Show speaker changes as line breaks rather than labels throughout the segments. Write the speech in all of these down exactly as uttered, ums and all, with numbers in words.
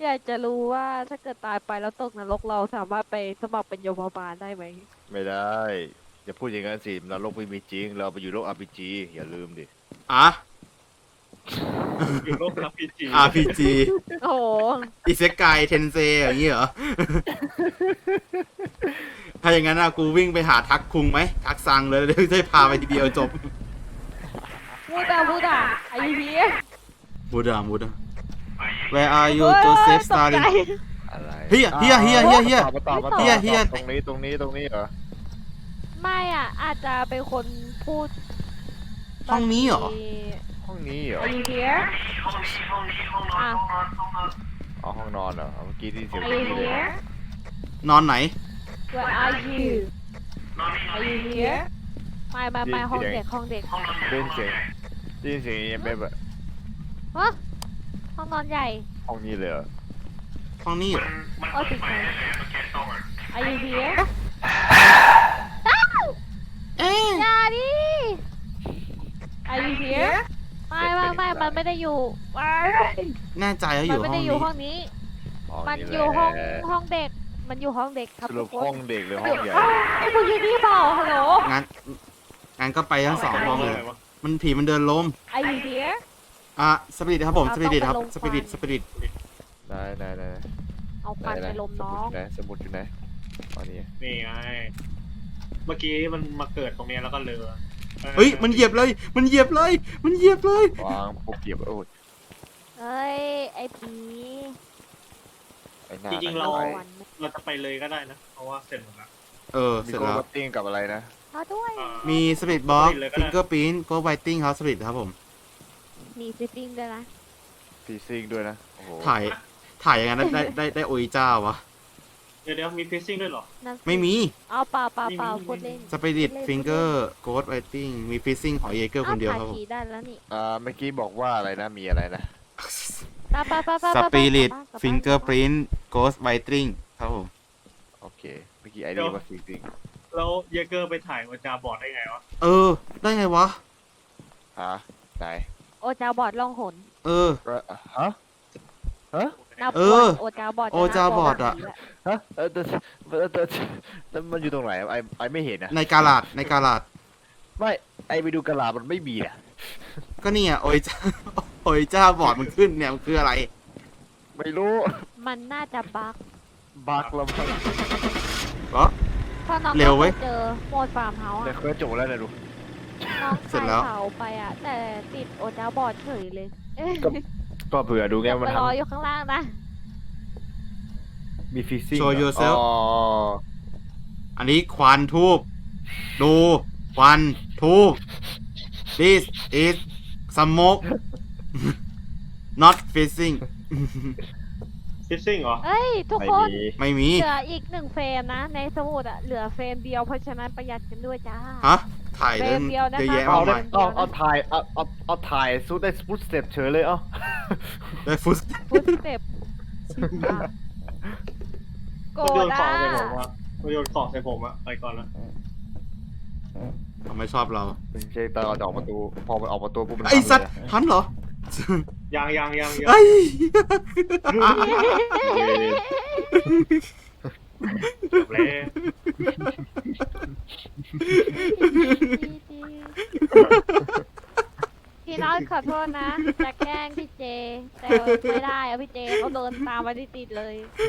อยากจะรู้ว่าถ้าเกิดตายไปแล้วตกนรกเราสามารถไปสมัครเป็นโยมบาลได้ไหม
ไม่ได้อย่าพูดอย่างนั้นสินรกไม่มีจริงเราไปอยู่โลก อาร์ พี จี อย่าลืมดิ
อ่ะ
อยู่โลก อาร์ พี จี
อาร์ พี จี
โอ้โห
อิเซกายเทนเซอย่างนี้เหรอ ถ้าอย่างนั้นอะกูวิ่งไปหาทักคุงไหมทักซังเลยเดี๋ยวจะพาไปทีเดียวจบ
พูดอะพูดอะไอ้เหี้ย
บูดาบูดา Where are you Joseph
ตกใจ
Stalin
อะไร
เฮียเฮียเฮียเฮียเฮีย
มาตอบมาตอบ
เฮียเฮีย
ตรงนี้ตรงนี้ตรงนี้เหรอ
ไม่อ่ะ อาจจะเป็นคนพูด
ห้องนี้เหรอ
ห้องนี้เหรอ
Are you here อ่ะ
เอาห้องนอนเหรอเมื่อกี้ที่เสียง
Are
เมื่อ
you
กี้เลย
here
นอนไหน
Where are you Are you here ไม่ไม่ไม่ห้องเด็กห้องเด็ก
ได้ยินเสียงได้ยินเสียงยังแบบ
ฮะห้องนอนใหญ่
ห้องนี้เลยเหรอ
ห้องนี้เหรอ
โอ้ติดไหน Are you here
เอ๊ะ
อย่าดิ Are you here ไม่ไม่ไม่มันไม่ได้อยู่ไม่
แน่ใจว่าอ
มัน
ยู่
ไม่
ห้อง
ได้อ
นี้
ยู่ห้องนี้
ห้อง
มัน
นี้
อยู่ห้อง
แหละ
ห้องเด็ก มันอยู่ห้องเด็กครับ
สรุ
ทุ
ป
กคน
ห้องเด็กหรือห้องใหญ่
ไอ้พวกยี่นี่เปล่าฮัลโหล
งั้นงั้นก็ไปทั้งสองห้องเลย มันผีมันเดินล้ม
Are you here
อ่ะสปิริตครับผม
เรา
สปิริตครับ
ต้องไปลง
สปิริต
ไฟ
สปิริต
ไหนไหนไหน
เอาควันไปลมน้อง
ไหนสมุดอยู่ไหนอ๋อนี่
นี่ไง เมื่อกี้มันมาเกิดตรงเนี้ยแล้วก็เรือ
เฮ้ยมันเหยียบเลย มันเหยียบเลย มันเหยียบเลย
วางพวกเก็บโอ้ย
เอ้ย ไอ้ผี
ไอ้หน้า
จริงๆเรา
ไอ้
วัน
เราจะไปเลยก็ได้นะ เพราะว่าเสร็จหมดแล้ว
เออ
มี
เสร็จ
โก
แล้ว
บัตติ้งกับอะไรนะ
เอาด้วย
อ่า
มีสปิริตบ็อก
สปิริตเลยก็
ฟิ
ได้
งเกอร์พิ้นโกไวติ้งครับสปิริตครับผม
มีซิตติ้งด้วยนะ
ฟีซิ่งด้วยนะโอ้โห
ถ่าย ถ่ายอย่างนั้นได้ได้ได้ได้โอยเจ้าวะ
เดี๋ยวเดี๋ยวมีฟิซซิ่งด้วยเหรอ
นั่นสิ
ไม่มี
เอาเปล่าเปล่าเปล่า
ไม่มี
พูดเล่น
สปิริตฟิงเกอร์โกดไวติ้งมีฟิซซิ่งของเยเกอร์คนเดียวครับผม
อาถ่าผีได้แล้วนี่
อ่าเมื่อกี้บอกว่าอะไรนะมีอะไรนะ
ไปไปไปไป
สปิริต
กลับบ้านกลับบ้าน
ฟิงเกอร์พิ้นโกดไวติ้งครับผม
โอเคเมื่อกี้ไอเดียว่าฟีซิ่ง
แล้วเยเกอร์ไปถ่ายโอจาบอร์ดได้ไงวะ
เออ ได้ไงวะ
ฮะไหน
โอจาบอดล่องหน
เออ
ก็ฮะฮะ
นับ
เออ
วันโอจาบอด
โอจาบอดอะ
ฮะเออแต่แต่แต่แต่มันอยู่ตรงไหนไอไอไม่เห็นนะ
ในกาลาดในกาลาด
ไม่ไอไปดูกระลามันไม่มีอ่ะ
ก็เนี่ยโอยจ้า โอยจ้าบอร์ดมันขึ้นเนี่ยมันคืออะไร
ไม่รู้
มันน่าจะบั๊ก
บักแล้วมั้ง
ก็
เพราะน้อง
เร็วเว้ย
เจอโหมดฟาร์มเฮาส์
แต่
อะ
เคยจบแล้วนะดู
น้อง
เสร็จแล้ว
ถ่ายเสาไปอะแต่ติดโอจาบอดเฉยเลยเอ้ย
ก็ก็เผื่อดูไงมัน
ไป
ท
รออยู่ข้างล่างนะ
ำมีฟีซิ่ง
Show yourself
อ๋อ
อันนี้ควันทูบดูควันทูบ this is smoke not fishing
ฟิซซิ่งเหรอ
เอ้ย ทุก
ไม่
คน
มี
ไม่มี
เหลืออีกหนึ่งเฟรมนะ ในสมุดอะเหลือเฟรมเดียวเพราะฉะนั้นประหยัดกันด้วยจ้า
ฮะ ถ่ายเรื่อง
เฟรมเดียวนะคะ
เยอะแยะ
เอา
มาก
ได้
มาย
เอาเอาถ่ายเอาเอาเอาถ่ายสู้ได้ฟุตสเต็ปเฉยเลยเอ้า
ได้ฟุต
ฟุตสเต็ปโก
มันโยนข
ด้า
องใส่ผมอะมันโยนของใส่ผมอะไปก่อนละ
ทำไมชอบเรา
ไม่ใช่ตอนออกประตูพอมันออกประตูปุ๊บมัน
ไอสัตว์
ทำเลย
ทันเหรอ
ยังยังยังยัง
ไอ้
จบแล้ว
พี่น้อยขอโทษนะ จะแกล้งพี่เจ แต่ไม่ได้อะพี่เจเขาเดินตามมาติดๆเลย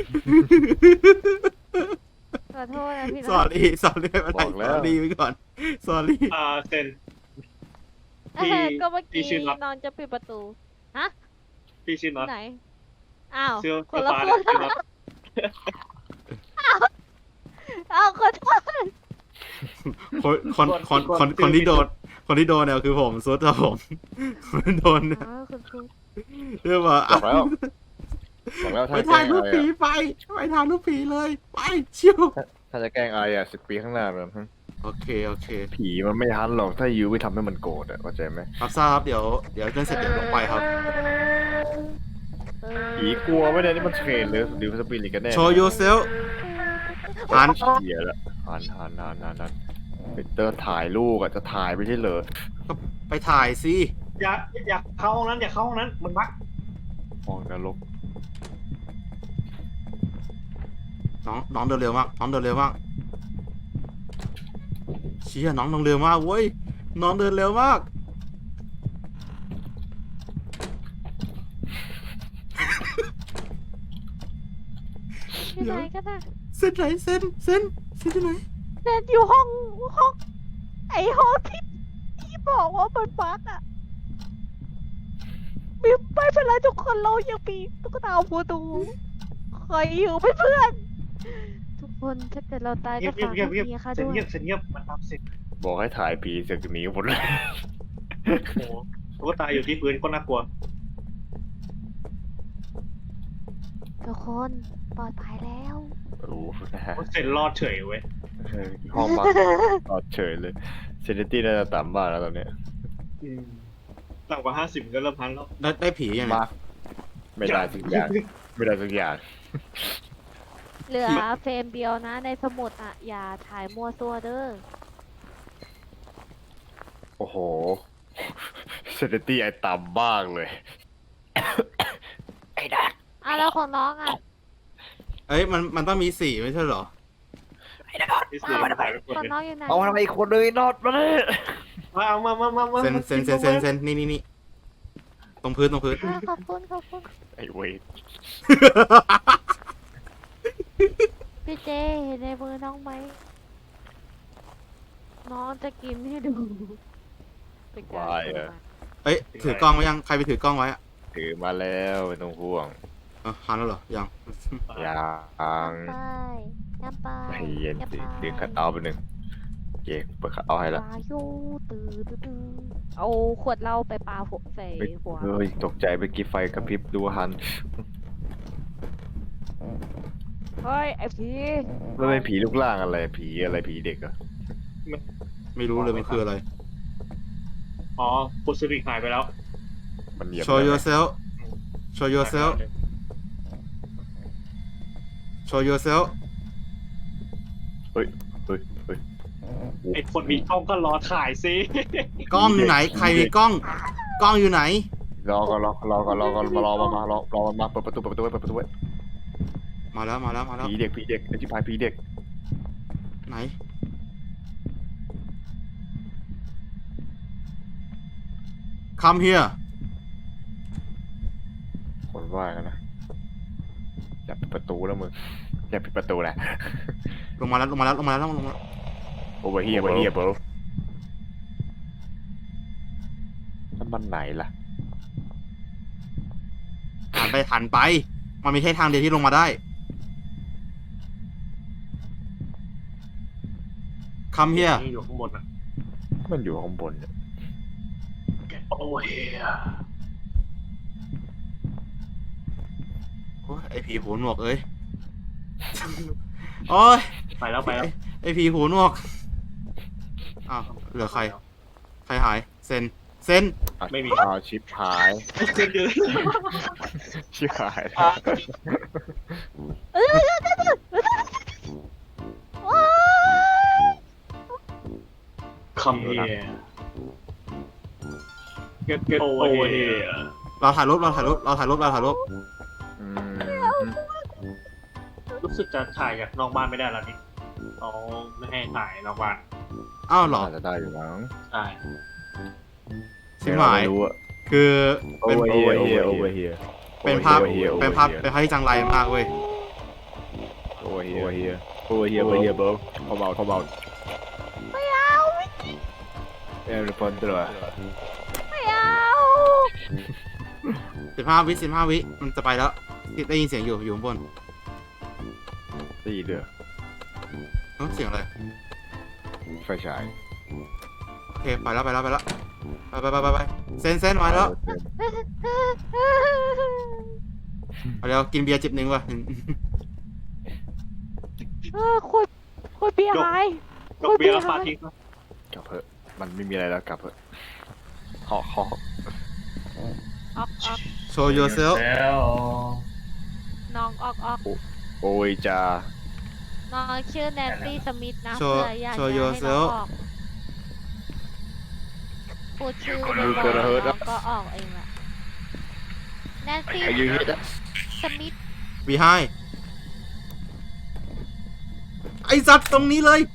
ขอโทษนะพี่
ส
น้
อ
อย
รี่สอรี่ไม่เป็นไรสอรี่ไว้ก่อนสอรี่
อ่าเซน
เออก็เมื่อ
พี่
กี้
ชื่อน็อต
นอนจะปิดประตู
พี่ชื่อน็อต
ไหน อ้าว
เสื้อ
คนละ
เสื้อ
ค
ฟ้าน เนี่ยชื่อน็อต
อ้าวขอโทษ
คนคนคนคนคนที่โดน คนที่โดนเนี่ยคือผมซุดครับผมคนที่โดนเนี่ย
อ้าวคุณครู
เรียกว่า
บอกแล้วบอกแล้ว
ไป
ถ้าจะแก
ถ่า
ล้
ย
ง
รู
อะ
ป
ไร
ผี
อะ
ไปไปถ่ายรูปผีเลยไปเชี่ยว
ถ้าจะแกล้งอะไรอ่ะสิบปีข้างหน้าเลย
โอเคโอเค
ผีมันไม่ทันหรอกถ้ายูไม่ทำให้มันโกรธอ่ะเข้าใจไหม
ครับทราบครับเดี๋ยวเดี๋ยวเรื่องเสร็จเดี๋ยวลงไปครับ
เออ
ผีกลัวไม่ได้นี่มันเทรนเลยหรือสปิริตกันแน่
show yourself หัน
เหี้ยละหันหันหันหันหันไปเตอร์ถ่ายลูกอ่ะจะถ่ายไม่ใช่เหรอ
ก็ไปถ่ายสิ
อย่าอย่าเข้าห้องนั้นอย่าเข้าห้องนั้นมันบัก
มองนรก
น้องน้องเดินเร็วมากน้องเดินเร็วมากเชี่ยน้องเดินเร็วมากเว้ยน้องเดินเร็วมาก
ที่ไหนก็ได้
เส้นไหนเส้นเส้นเส้นที่ไหน
เดินอยู่ห้องห้องไอห้องที่ที่บอกว่ามันบั๊กอะมีไม่เป็นไรทุกคนเรายังมีตุ๊กตาหัวตูคอยอยู่เป็นเพื่อน ทุกคนถ้าเกิดเราตาย
เงี
ก็
ยบเงีย
ฝา
บ
ก
เงียบ
เมียค่ะ
เงียบ
ด้วย
เงียบเงียบมันทำเสร็จ
บอกให้ถ่ายผีเสอกหนีหมดเลย
โอ้โหตุ๊กตาอยู่ที่พื้นก็น่ากลัว
ทุกคนปลอดภัยแล้ว
โอ้โหนะฮะ
เสร็จรอดเฉยเว้ย
เออห้องบักรอดเฉยเลยเซนิตี้น่าจะต่ำมากแล้วตอนเนี้ย
อืมต่ำกว่าห้าสิบก็เริ่มพันแล้ว
ได้ได้ผียังไง
มากไม่ได้สักอย่างไม่ได้สักอย่าง
เหลือเฟรมเดียวนะในสมุดอ่ะ อย่าถ่ายมั่วซั่วเด้อ
โอ้โหเซนิตี้ไอต่ำมากเลย ไอ้ดัก
อ่ะแล้วของน้องอ่ะ
เอ้ยมันมันต้องมีสี่ไม่ใช่เหรอ
ที่สี่ถ่ายไปคน
ของ
หนึ่ง
น้องอยู่ไหน
เอาทำไมอีกคนเลยนอดมาเลย
มาเอามามามามา
เซนเซนเซนเซนเซนนี่นี่นี่ตรงพื้นตรงพื้น
อ่ะขอบคุณขอบคุณ
ไอ้เว้ย
พี่เจเห็นในมือน้องไหม น้องจะกินให้ดูเป็นการ
วาย
เปิด
อะ
มา
เอ้ยถือกล้องไว้ยังใครไปถือกล้องไว้อะ
ถือมาแล้วไม่ต้องห่วง
เออหันแล้วเหรอยัง
ยัง
ไปน้ำไป
ใจเย็นสิ
ำไป
เดี๋ยวคัดเอาท์ไปหนึ่งโอเคเปิดคัดเอาท์ให้ละ
วายุตื่นตื่นตื่นเอาขวดเหล้าไปปาหัวใส่
เฮ้ย
หัว
เฮ้ยตกใจไปกี่ไฟกระพริบดูหัน
เฮ้ยไอ้ผี
แล้วเป็นผีลูกล่างอะไรผีอะไรผีเด็กเหรอะ
ไม่รู้เลยมันคืออะไร
อ๋อปุสริกหายไปแล้ว
มันเหยียบ
show
ได้ไหม
yourself show yourself show yourself
เฮ้ยเฮ้ยเฮ้ย
ไอ้คนมีกล้องก็รอถ่ายสิ
กล้องอยู่ไหนใครมีกล้อง กล้องอยู่ไหน
รอก่อนรอรอก่อนรอก่อนมารอมามารอรอมาเปิดประตูเปิดประตูไว้เปิดประตูไว้
มาแล้วมาแล้วมาแล้ว
ผีเด็กผีเด็กไอ้ชิบหายผีเด็ก
ไหน come here
คนว่ากันนะอย่าปิดประตูแล้วมึงอย่าปิดประตูแหละ
ลงมาแล้วลงมาแล้วลงมาแล้วลงมาแล้ว
โอเวอร์เฮียโอเวอร์เฮียเบิร์นั่นมันไหนล่ะ
หันไปหันไป มันมีแค่ทางเดียวที่ลงมาได้ come here
นี่อยู่ข้างบนอ่ะ
มันอยู่ข้างบนเนี่ย
โอ้เฮีย
โอ้ยไอผีหูหนวกเอ้ย โอ้ย
ไปแล้วไปแล้ว
ไอผีหูหนวก อ้าว เหลือใคร ใครหาย เซน เซน
ไม่มี
อ้าวชิปหาย
เจอเจอ
ชิปหาย
ว้าย
คำเฮีย get get over here
เราถ่ายรูป เราถ่ายรูป เราถ่ายรูป เราถ่ายรูป
อืม
รู้สึกจะถ่ายจากนอกบ้านไม่ได้แล้วนี่เขาไม่ให้ถ่ายนอกบ้าน
อ้าวเหรอ
อาจจะได้อยู่มั้ง
ใช่
ชิบหาย
ไม่รู้อะ
คือ
โอ
เป็น
เวอร์เฮียโอเวอร์โอเวอร์เฮีย
เป็นภาพ เป็นภาพ เป็นภาพที่จังไรมากเว้ย
โอเวอร์เฮียโอเวอร์เฮียโอเวอร์เฮียโอเวอร์เฮียเบิร์กเขาเบาเขาเบา
ไม่เอาไม่
เออพอนตัว
ไม่เอา
สิบห้าวิสิบห้าวิ มันจะไปแล้ว ได้ยินเสียงอยู่ อยู่ข้างบน
ตีเดือ
เอ้าเสียงอะไร
ไฟฉาย
โอเค ไปแล้ว ไปแล้ว ไปแล้ว ไปไปไปไปไปเซนเซนมาแล้ว เอาเดี๋ยวกินเบียร์จิบหนึ่งว่ะ
เออคุยคุยเบียร์หาย
ยกเบียร์แล้วฟาดทิ้ง
กลับเถอะมันไม่มีอะไรแล้วกลับเถอะหอกหอก
ออกออก
show yourself
น้องออกออก
โอ้ยจ้า
น้องชื่อแนนซี่สมิธนะ
Show-
เพื่ออยากจะ
show
ให้น้อง
yourself
ออกพูดชื่อบ่อยๆน้องก็ออกเองแหละแนนซี่
อายุเยอะ
สมิธ
behind ไอสัตว์ตรงนี้เลย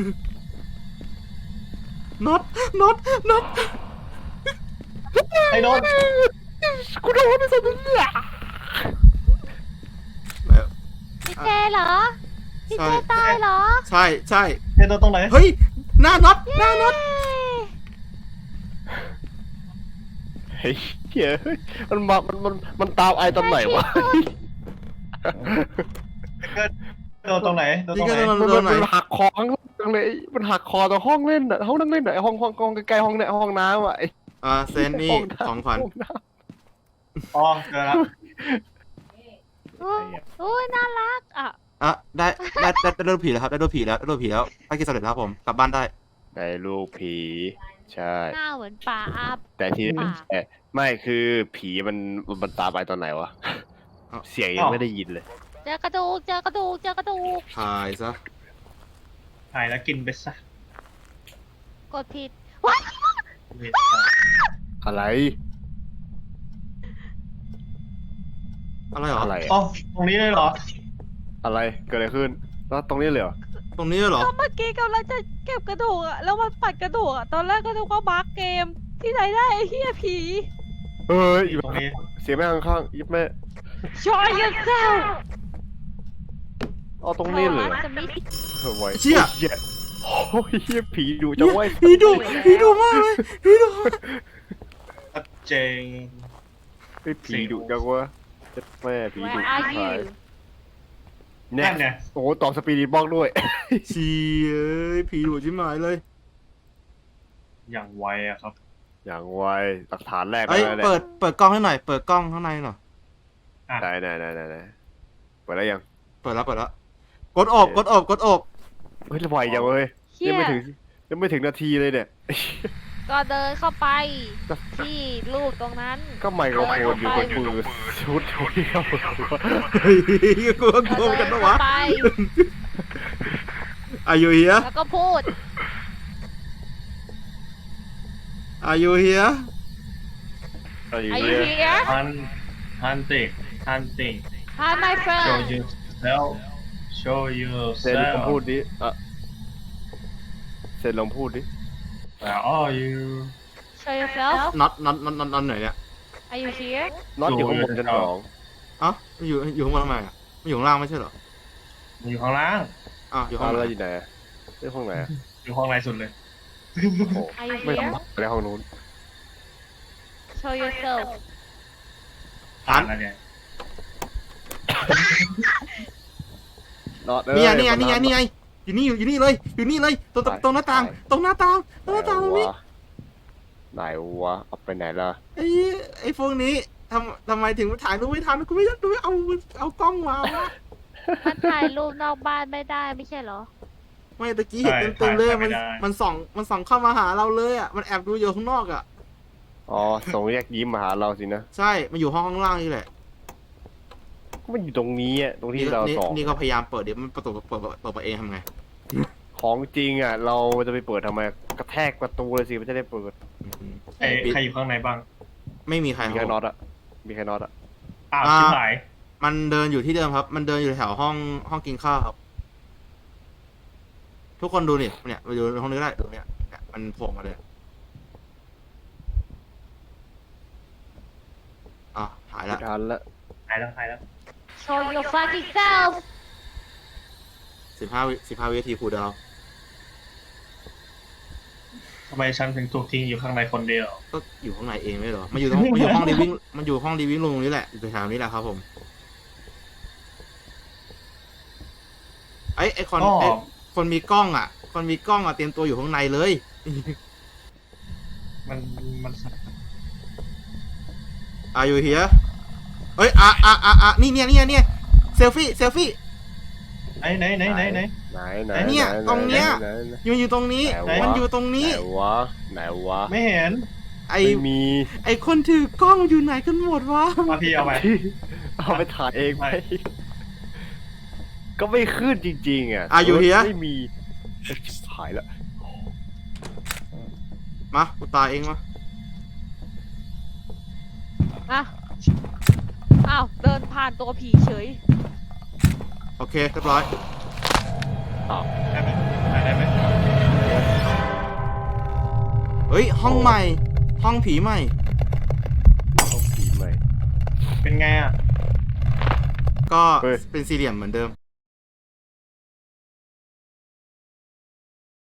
น็อตน็อตน็อต
ไอ้โดน
กูโดนไอ้สัตว์เนี่ย
พี่เจเหรอ พี่เจตายเหรอ
ใช่ใช่
ไอ้โดนตรงไหน
เฮ้ยหน้าน็อตหน้าน็อต
เฮ้ยเหี้ยมันมามันมันมันตามไอตอนไหนวะ
โดนตรงไหนโดนต
นี่
รง
ก็
ไหน
โดน
มัน
โดนไหน
มันหักคอข้างล่างเลยมันหักคอตรงห้องเล่นอ่ะห้องนั่งเล่นอ่ะห้องห้องห้องใกล้ๆห้องเนี่ยห้องน้ำอ่ะไอ้
อ่าเซนนี่ของขวัญ
ห้น้
อ๋อเจอแล้ว
โอ้โอ้ยน่ารักอ่ะ
อ่ะได้ได้ได้ได้โดนผีแล้วครับได้โดนผีแล้วได้โดนผีแล้วภารกิจสำเร็จแล้วครับผมกลับบ้านได้
ำในลูกผีใช่
หน้าเหมือนปลาอาบ
แต่ที่
ป่า
แต่ไม่คือผีมันมันตามไปตอนไหนวะเสียงยังไม่ได้ยินเลย
เจอกระดูกเจอกระดูกเจอกระดูก
ถ่ายซะ
ถ่ายแล้วกินไปซะ
กดผิดว้าย
อะไร
อะไรเหรอ
อะไร
อ๋อ
อะ
ตรงนี้เลยเหรอ
อะไรเกิดอะไรขึ้นแล้วตรงนี้เลยเหรอ
ตรงนี้เหรอ
ก็เมื่อกี้กำลังจะเก็บกระดูกอ่ะแล้วมันปัดกระดูกอ่ะตอนแรกก็นึกว่าบั๊กเกมที่ไหนได้ไอ้เหี้ยผี
เฮ้ย
ตรงนี้
เสียงแม่ข้างๆยิบแม่
Show yourself
เอาตรงนี้เลย
จะไม่
เฮ้ยไว้
เชี่ย
เหี้ยโอ้ยเหี้ยผีดุจังเว้ย
ผีดุผีดุมากเลยผีดุมาก
ชัดเจน
เฮ้ยผีดุจังวะเจ็ดแม่ผีดุ
Where are you
เนี่ย
นั่นไง
โอ้โหต่อสปีดบล็อกด้วย
เชี่ยเอ้ยผีดุชิบหายเลย
อย่างไวอะครับ
อย่างไวหลักฐานแรก
เอ้ย
แล้วเนี่ย
เปิดเปิดกล้องให้หน่อยเปิดกล้องข้างในหน่อย
ได้ได้ได้ได้ได้เปิดแล้วยัง
เปิดแล้วเปิดแล้วกดอบกดอบกดอบ
เฮ้ยไวจังเว้ย
เหี้
ยัง
ย
ไม่ถึงยังไม่ถึงนาทีเลยเนี่ย
ก็เดินเข้าไปที่รูปตรงนั้น
ก็ไมโครโฟนอยู่บนมือชุดชุดเดียว
เฮ้ยกลัวกลัวกันปะวะ
ไป
Are you here
แล้วก็พูด
Are you here
อะไรอยู่
Are you
เนี่ย
here
ฮันฮันติงฮันติง
Hi my
show
friend
yourself show
เซนลอง
yourself
พูดดิอ่ะเซนลองพูดดิ
where are you
Show yourself
น็อตน็อตน็อตน็อตน็อตไหนเนี่ย
Are you here
น็อตอยู่ข้างบนชั้นสอง
เอ้ามันอยู่อยู่ข้างบนทำไมอ่ะมันอยู่ข้างล่างไม่ใช่เหรอ
อยู่ข้างล่าง
อ้าวอยู่ข้า
ห้อง ง
ล่า
เรา
ง
อยู่ไหนอะไม่ห้องไหนอะ
อยู่ห้องในสุดเลย
โอ้โห
Are you
ไม่
here
ทำในห้องนู้น
Show yourself
ผ่านแล้วเนี่ย
น็อต
นี่ไงนี่ไงนี่ไงนี่ไงอยู่นี่อยู่อยู่นี่เลยอยู่นี่เลยตรงตรงตรงหน้าต่างตรงหน้าต่างตรงหน้าต่างตรงนี้
ไหนวะเอาไปไหนล่ะ
ไอ้ไอ้พวกนี้ทำทำไมถึงถ่ายรูปไม่ทันกูไม่กูไม่เอาเอากล้องมาวะ
มันถ่ายรูปนอกบ้านไม่ได้ไม่ใช่เหรอ
ไม่ตะกี้เห็นเต็มเต็มๆเลยมันมันส่องมันส่องเข้ามาหาเราเลยอ่ะมันแอบดูอยู่ข้างนอกอ่ะ
อ๋อส่งแยกยิ้มมาหาเราสินะ
ใช่มันอยู่ห้องข้างล่างนี่แหละ
ก็มันอยู่ตรงนี้อ่ะตรงที่
นี่
เรา
นี่
สอง
นี่ก็พยายามเปิดเดี๋ยวมันประตูเปิดเปิดเปิดเองทำไง
ของจริงอ่ะ เราจะไปเปิดทำไมกระแทกประตูเลยสิมันจะได้เปิด
ใครใครอยู่ข้างในบ้าง
ไม่มีใคร
มี
ค
แค่
รับ
น็อตอ่ะมีแค่น็อตอ่ะ
อ้าว
อ่า
ชิบหาย
มันเดินอยู่ที่เดิมครับ มันเดินอยู่แถวห้องห้องกินข้าวครับ ทุกคนดูนี่เนี่ยมาดูห้องนี้ก็ได้ดูเนี่ยเนี่ยมันโผล่มาเลยอ่ะหาย
ไม่
ละ
ทันละ
หายแล้วหายแล้ว
Show your fucking self
สิบห้าวิสิบห้าวินาทีครูดาว
ทำไมฉันถึงถูกทิ้งอยู่ข้างในคนเดียว
ก็อยู่ข้างในเองไม่เหรอมันอยู่ตรงมันอยู่ห้องรีวิ่งมันอยู่ห้องรีวิ่งรูมนี้แหละอยู่แถวนี้แหละครับผมไอ้ไอ้คน
อ๋อ
ไอ้คนมีกล้องอ่ะ คนมีกล้องอ่ะเตรียมตัวอยู่ข้างในเลย
มันมัน
Are you here เอ้ยอ่ะอ่ะอ่ะอ่ะนี่เนี่ยเนี่ยเนี่ยเซลฟี่เซลฟี่
ไหนไหนไหนไหนไหน
ไหนไหน
เนี่ย
ไห
ตรงเนี้ย
ไหไหไห
อยู่อยู่ตรงนี้
ไหนวะ
มันอยู่ตรง
ไหน
นี้
วะไหนวะ
ไม่เห็น
ไอ
ไม่มี
ไอคนถือกล้องอยู่ไหนกันหมดวะ
มาพี่เอาไป
เอาไปถ่ายเองไหม
ไม่
ก็ไม่ขึ้นจริงๆอ่ะ
Are you here
ไม่มีเอ้ยชิบหายละ
มากูตายเองมา
อ่ะอ้าวเดินผ่านตัวผีเฉย
โอเคเรียบร้อย
อ้าว
ได้ไหมถ่ายได้ไหม
เฮ้ย ห้องใหม่ ห้องผีใหม่
ต้องผีใหม่
เป็นไงอ่ะ
ก็
เฮ้ย
เป็นสี่เหลี่ยมเหมือนเดิม